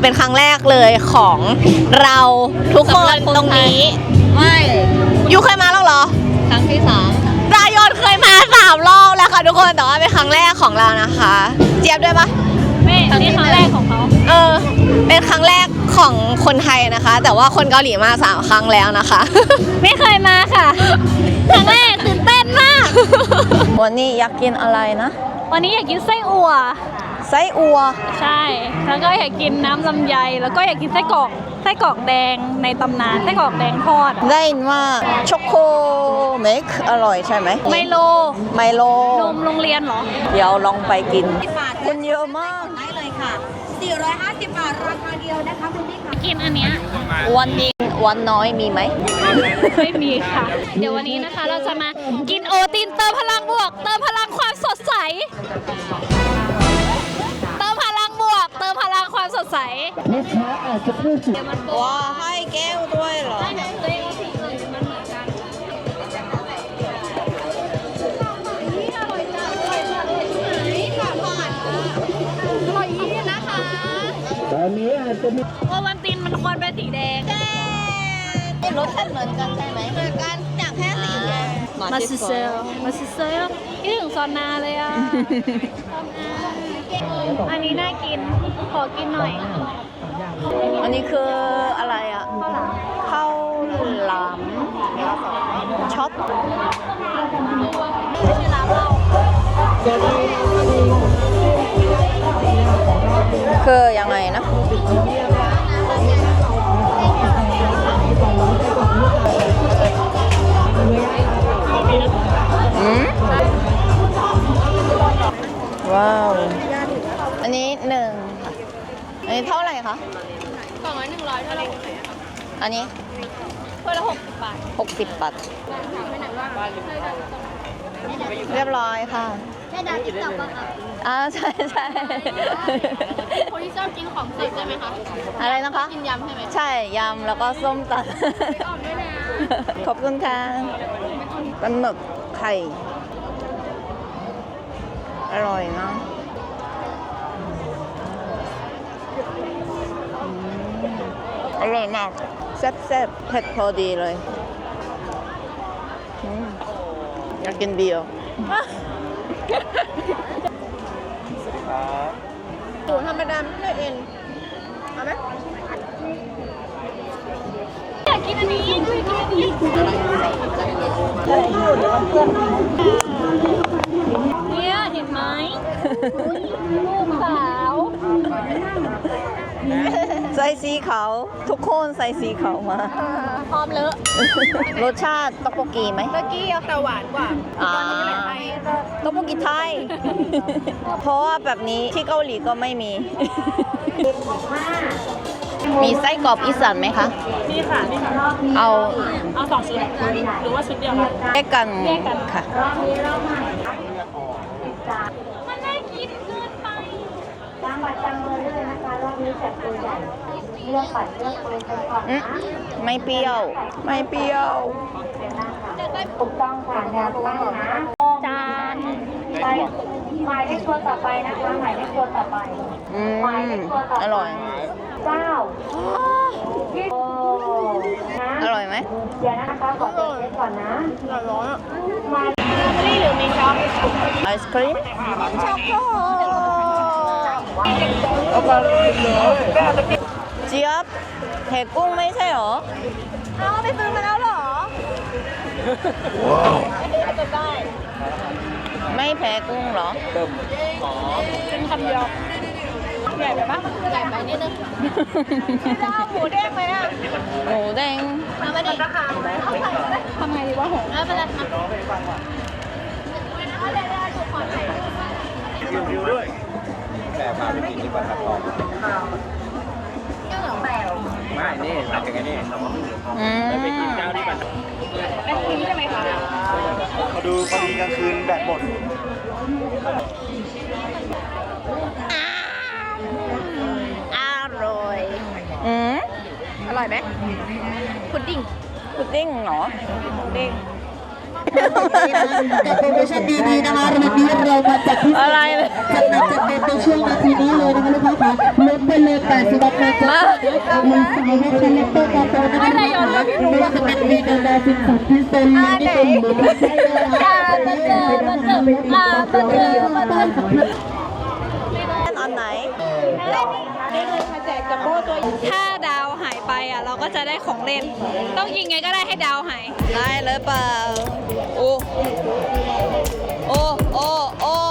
เป็นครั้งแรกเลยของเราทุกคนตรงนี้ไม่ยูเคยมาแล้วเหรอครั้งที่3รายนเคยมา3 รอบแล้วค่ะทุกคนแต่ว่าเป็นครั้งแรกของเรานะคะเจี๊ยบด้วยปะไม่นี่ครั้งแรกของเขาเป็นครั้งแรกของคนไทยนะคะ แต่ว่าคนเกาหลีมา3 ครั้งแล้วนะคะไม่เคยมาค่ะครั้งแรกตื่นเต้นมากวันนี้อยากกินอะไรนะวันนี้อยากกินไส้อั่วใช่แล้วก็อยากกินน้ำลำไยแล้วก็อยากกินไส้กรอกแดงในตำนานไส้กรอกแดงทอดได้ยินว่าช็อกโกเมคอร่อยใช่ไหมไมโลนมโรงเรียนเหรอเดี๋ยวลองไปกินคนเยอะมากได้เลยค่ะ450 บาทราคาเดียวนะคะคุณพี่ค่ะกินอันเนี้ยวันน้อยมีไหมไม่มีค่ะเดี๋ยววันนี้นะคะเราจะมากินโอตินเติมพลังบวกเติมพลังความสดใสเติมพลังบวกเติมพลังความสดใสลูกค้าอาจจะพูดถึงว้าให้แก้วด้วยเหรอตัวเองสีอื่นมันเหมือนกันตอนนี้อาจจะมีโอวัลตินมันควรเป็นสีแดงรสชาติเหมือนกันใช่ไหมเหมือนกันจากแค่สีแดงมาซิเซลคิดถึงซอนนาเลยอ่ะอันนี้น่ากินขอกินหน่อยอันนี้คืออะไรอ่ะข้าวหลามช็อตคือยังไงนะว้าวอันนี้1ค่ะอันนี้เท่าไหร่คะ 200 100เท่าไหร่อันนี้ถ้วยละ60 บาทเรียบร้อยค่ะได้ดาวติ๊กต็อกป่ะคะใช่คนที่ชอบกินของสดใช่ไหมคะอะไรนะคะกินยำใช่ไหมใช่ยำแล้วก็ส้มตำขอบคุณค่ะปลาหมึกไข่อร่อยนะอร่อยมากแซ่บเผ็ดพอดีเลยอยากกินเบียร์สูตรธรรมดาไม่เอ็นเอาไหมอยากกินอันนี้เนี่ยเห็นไหมลูกสาวใส่สีขาวทุกคนใส่สีขาวมาพร้อมเลอะรสชาติต๊อกโบกีไหมต๊อกกี้แต่หวานกว่าต๊อกโบกีไทยเพราะว่าแบบนี้ที่เกาหลีก็ไม่มีมีไส้กรอกอีสานไหมคะนี่ค่ะเอา 2 ชุดหรือว่าชุดเดียวแยกกันค่ะมันน่ากินเกินไปจังหวัดจังเลยเลยนะคะรอบนี้จัดตัวใหญ่เลือกปัดเลือกปืนกันก่อนนะไม่เปรี้ยวถูกต้องค่ะแนวตั้งนะจานไปหมายเลขตัวต่อไปนะคะหมายเลขตัวต่อไปหมายเลขตัวต่อไปอร่อย 9 อร่อยไหมเดี๋ยวนะคะขอเช็คก่อนนะร้อนมาที่หรือมีช็อปไอศครีมช็อกโกเจี๊ยบแหกกุ้งไม่ใช่หรอไปซื้อมาแล้วหรอไม่แพ้กุ้งหรอเป็นคำเดียวใหญ่ไปปะใหญ่ไปนิดนึงหมูเด้งไหมอ่ะหมูเด้งทำไมดีทำไงดีวะหงไม่เป็นไรวิวด้วยแต่พาไปกินที่ปัตตานีไม่นี่มาจากไงนี่ไปกินเจ้าที่ปัตตานีไปกินใช่ไหมคะมาดูพอดีกลางคืนแบตหมดอร่อยอร่อยไหมพุดดิ้งเหรอพุดดิ้งกับโปรโมชั่นดีๆนะคะวันนี้เรามาจัดที่อะไรเลยจัดหนักจัดเต็มในช่วงนาทีนี้เลยนะคะลูกค้าค่ะลดไปเลย80 บาทเลยจ้ามีสายให้คาแรคเตอร์การโตนะคะไม่ว่าจะเป็นมีการดาสินสันที่เป็นในกลุ่มหรือไม่ใช่นะคะอันไหนถ้าดาวหายไปอ่ะเราก็จะได้ของเล่น ต้องยิงไงก็ได้ให้ดาวหายได้เลยเปล่า โอ้โอ้โอ้โอ้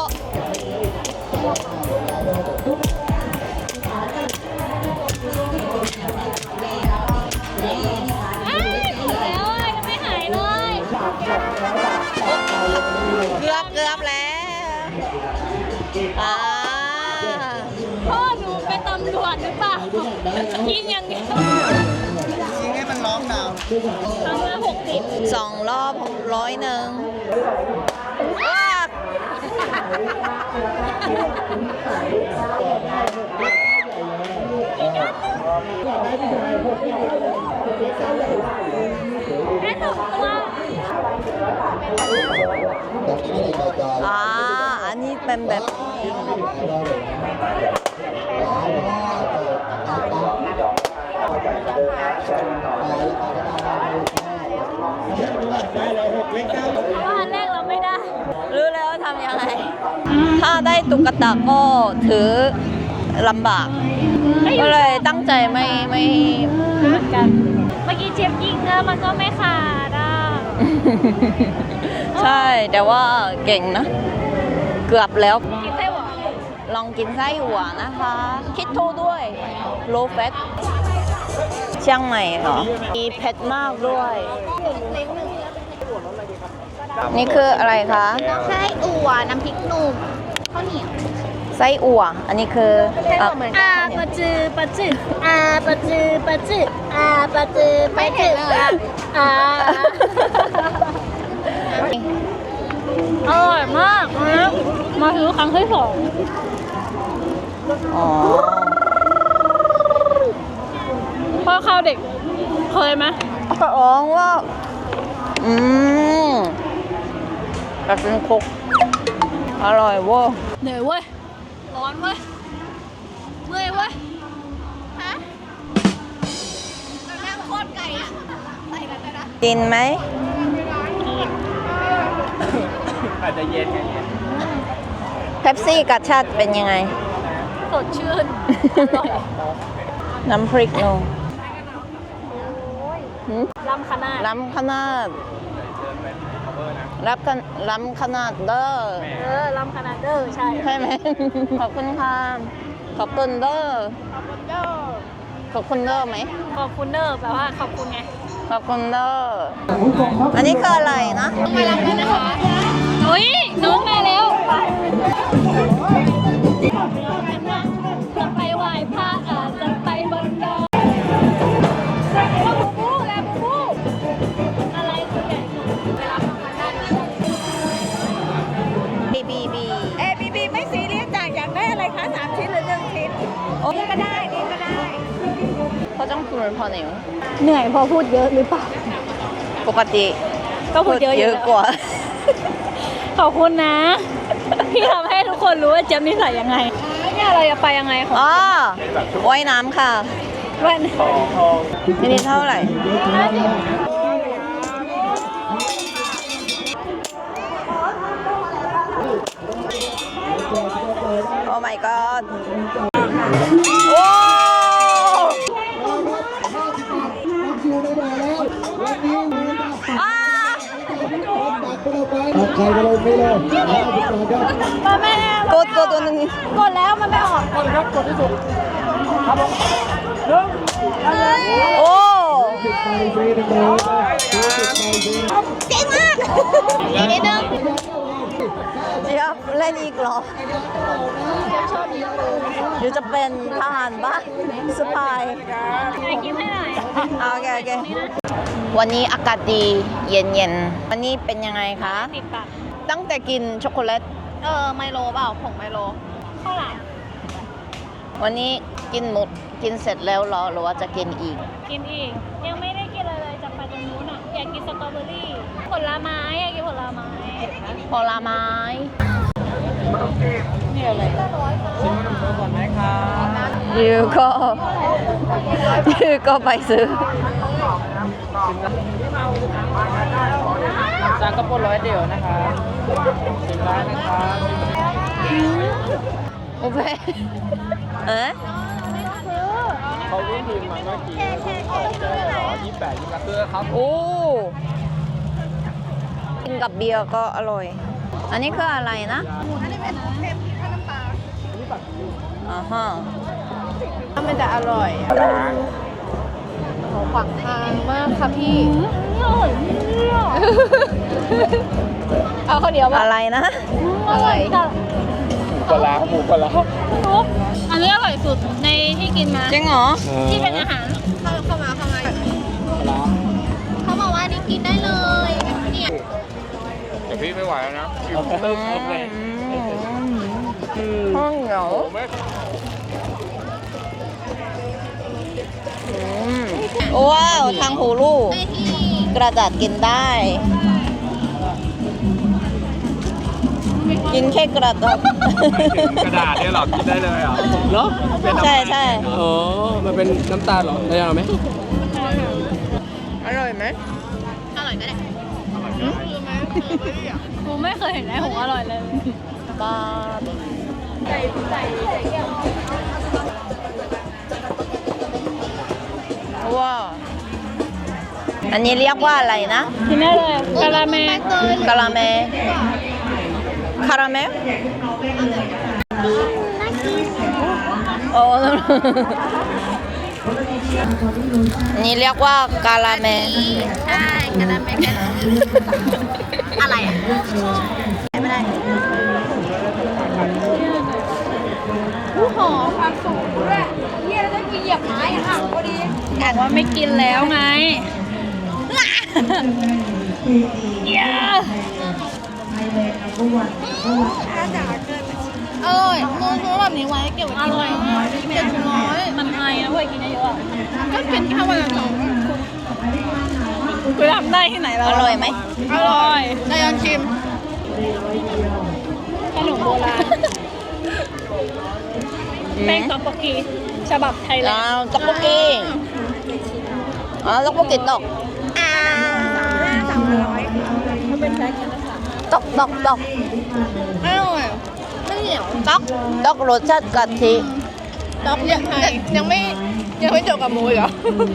แล้วอ่ะยังไม่หายเลยเกือบแล้วพ่อหนูเป็นตำรวจหรือเปล่ายิงอย่างเดียวยิงให้มันร้องดาวครั้งละ60 2 รอบ100อ้าแค่2 ตัวอันนี้เป็นแบบเพราะว่าอันแรกเราไม่ได้รู้แล้วทำยังไง ถ้าได้ตุ๊กตาก็ถือลำบาก ก็เลยตั้งใจไม่เหมือนกัน เมื่อกี้เจี๊ยบยิงแล้วมันก็ไม่ขาดอ่ะใช่ แต่ว่าเก่งนะ เกือบแล้วกินไส้หวานลองกินไส้หัวนะคะ คิดโทด้วย low fat เชียงใหม่เหรอ มีเผ็ดมากด้วย นี่คืออะไรคะไส้อั่วน้ำพริกหนุ่มข้าวเหนียวไส้อั่ว อันนี้คืออ่ะปะจือปะจือปะจือปะจือปะจือปะจืออร่อยมากนะมาซื้อครั้งที่ 2 อ๋อพ่อข้าวเด็ก เคยไหมร้องว่า แบบเป็นคุก อร่อยเว้ยเหนื่อยเว้ย ร้อนเว้ย เมื่อยเว้ย ฮะนั่งโคตรไก่อะใส่กันได้นะกินไหมอาจจะเย็นไงเย็นเป๊ปซี่กับชาติเป็นยังไงสดชื่น อร่อยน้ำพริกนูหืมล้ำขนาดล้ำขนาดล้ำขนาดเด้อล้ำขนาดเด้อใช่ใช่ไหม ขอบคุณค่ะ ขอบคุณเด้อ ขอบคุณเด้อไหมขอบคุณเด้อแปลว่าขอบคุณไงขอบคุณเด้อ อันนี้คืออะไรนะไปรับกันนะคะอุ้ยน้องมาแล้วจะไปไหว้พระจะไปบนดอยบูบูแล้วบูบูอะไรตัวใหญ่ไปรับกันได้บี ABB ไม่ซีเรียสจ้ะอยากได้อะไรคะ3 ชิ้นหรือ 1 ชิ้นโอ้นี่ก็ได้นี่ก็ได้เขาต้องพูดพอหนิวเหนื่อยพอพูดเยอะหรือเปล่าปกติก็พูดเยอะเยอะกว่าขอบคุณนะ พี่ทำให้ทุกคนรู้ว่าเจี๊ยบนิสัยยังไงเนี่ยเราจะไปยังไงของอ๋อว่ายน้ำค่ะวันนี่เท่าไหร่ โอ้ my god โอ้อ่าใครก็เลยไม่เลย50 บาทครับมาแม่กดตัวหนึงกดแล้วมันไม่ออกกดที่สุดโอ้ไปฟรีทั้งหมดเไปฟรีก่งมากอีกนิดนึงเจี๊ยบเล่นอีกเหรอเดี๋ยวจะเป็นทหารบ้านสปายไอคิมให้หน่อยโอเค วันนี้อากาศดีเย็นๆ วันนี้เป็นยังไงคะติดปากตั้งแต่กินช็อกโกแลตไมโลเปล่าผงไมโลข้าวหลามวันนี้กินหมดกินเสร็จแล้วเหรอหรือว่าจะกินอีกกินอีก ยังไม่ได้กินอะไรเลยจะไปตรงนู้นอ่ะอยากกินสตรอเบอรี่ผลไม้อยากกินผลไม้ผลไม้นี่อะไรชิมขนมโตก่อนไหมครับยูก็ไปซื้อจานก็ปน100เดียวนะครับชิมได้นะครับโอเคเขาวิ่งทีมมาเมื่อกี้28คือครับโอ้กินกับเบียร์ก็อร่อย อันนี้คืออะไรนะ อันนี้เป็นเค็มข้าวน้ำปลาอ่าฮะมันจะอร่อยขวางทางมากค่ะพี่ เอาข้าวเหนียวอะไรนะ อะไรปลาหมูปลานุ๊กอันนี้อร่อยสุดในที่กินมาจริงเหรอที่เป็นอาหารเข้ามาปลาเขาบอกว่านี่กินได้เลย เนี่ยแต่พี่ไม่ไหวแล้วนะเริ่มเลยข้าวเหนียวว้าว ทางหูลูก กระดาษกินได้ กินแค่กระดาษกระดาษเนี่ยหรอกินได้เลยเหรอเนาะใช่ใช่อ๋อมันเป็นน้ำตาลเหรอได้ยังไหมอร่อยไหมกูไม่เคยเห็นไอ้หงอร่อยเลยบ้าว้าว อันนี้เรียกว่าอะไรนะกินได้เลยกะละแมกะละแมคาราเมลโอ้นี่เรียกว่ากาลาเมใช่กาลาเมอะไรอ่ะไม่ได้ผู้หอมความสูงด้วยเฮียแล้วจะกินเหยียบไม้อ่ะค่ะพอดีบอกว่าไม่กินแล้วไงอร่อยซื้อแบบนี้ไว้เก็บไว้อกินร่อยมาก700มันไอนะเว้ยกินเยอะๆอะก็กินแค่วันละ2คุณทำได้ที่ไหนแล้วอร่อยไหมอร่อยนายอนชิมขนมโบราณแป้งต๊อกโบกีฉบับไทยแลนด์ต๊อกโบกี้ต๊อกโบกี้ตกมันเป็นแพ็คกินละ3 ตกอร่อยไม่เหนียวต๊อกรสชาติกะทิต๊อกยังไม่จบกับมูอีกเหรอ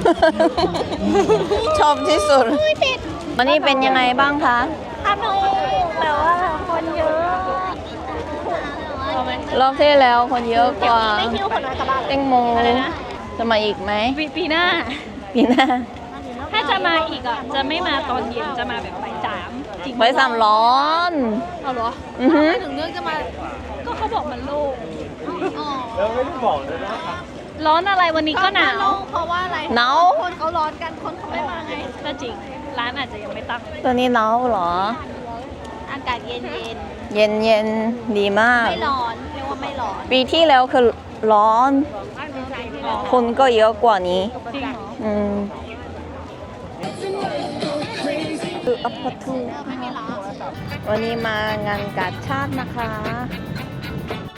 ชอบที่สุดวันนี้เป็นยังไงบ้างคะสนุกแต่ว่าคนเยอะเอาไหมรอบที่แล้วคนเยอะกว่าไม่คิดว่าคนน้อยกลับบ้านแตงโมจะมาอีกไหมปีหน้าปีหน้าถ้าจะมาอีกอ่ะ จะไม่มาตอนเย็น จะมาแบบบ่าย3จริงไปสามร้อนเอาเหรออือฮึถึงเรื่องจะมา ก็เขาบอกมันโล่งแล้วไม่ได้บอกเลยนะร้อนอะไรวันนี้ก็หนาวเพราะว่าอะไรหนาวคนเขาร้อนกัน คนเขาไม่มาไง ก็จริง ร้านอาจจะยังไม่ตั้งตัวนี้หนาวเหรออากาศเย็นเย็นดีมากไม่ร้อน เรียกว่าไม่ร้อนปีที่แล้วคือร้อน คนก็เยอะกว่านี้จริงเหรออืมคืออัปปะทูวันนี้มางานกาชาตินะคะ